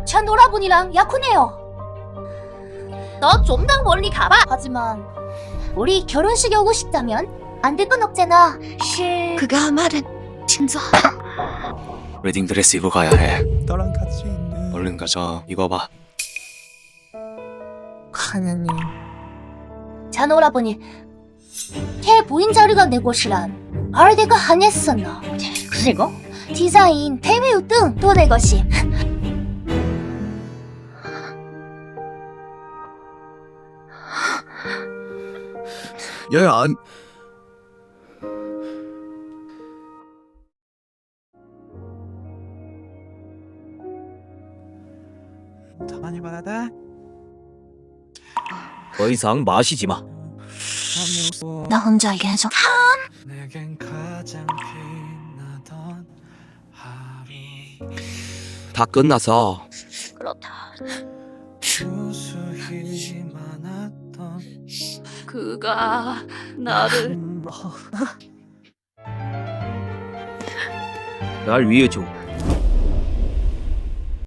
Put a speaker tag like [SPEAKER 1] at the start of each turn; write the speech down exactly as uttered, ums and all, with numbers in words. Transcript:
[SPEAKER 1] 전 오라버니랑 약혼해요. 너 좀 더 멀리 가봐. 하지만 우리 결혼식에 오고 싶다면 안 될 건 없잖아. 실...
[SPEAKER 2] 그가 말은 진짜.
[SPEAKER 3] 웨딩 드레스 입고 가야 해.
[SPEAKER 4] 너랑 같이 있는
[SPEAKER 3] 얼른 가자. 이거 봐.
[SPEAKER 4] 하느님.
[SPEAKER 1] 전 오라버니 걔 부인 자리가 내 것이란 알데가 아니었었나. 그리고 디자인, 배우 등 또 내 것이.
[SPEAKER 4] 야야 안 더 많이 받아다.
[SPEAKER 5] 더 이상 마시지 마.
[SPEAKER 2] 나 혼자 계속.
[SPEAKER 4] 내겐 가장 빛나던 하루.
[SPEAKER 5] 다 끝나서
[SPEAKER 2] 그렇다.
[SPEAKER 4] 수수히 많았던
[SPEAKER 2] 그가 나를
[SPEAKER 5] 날 위해 줘.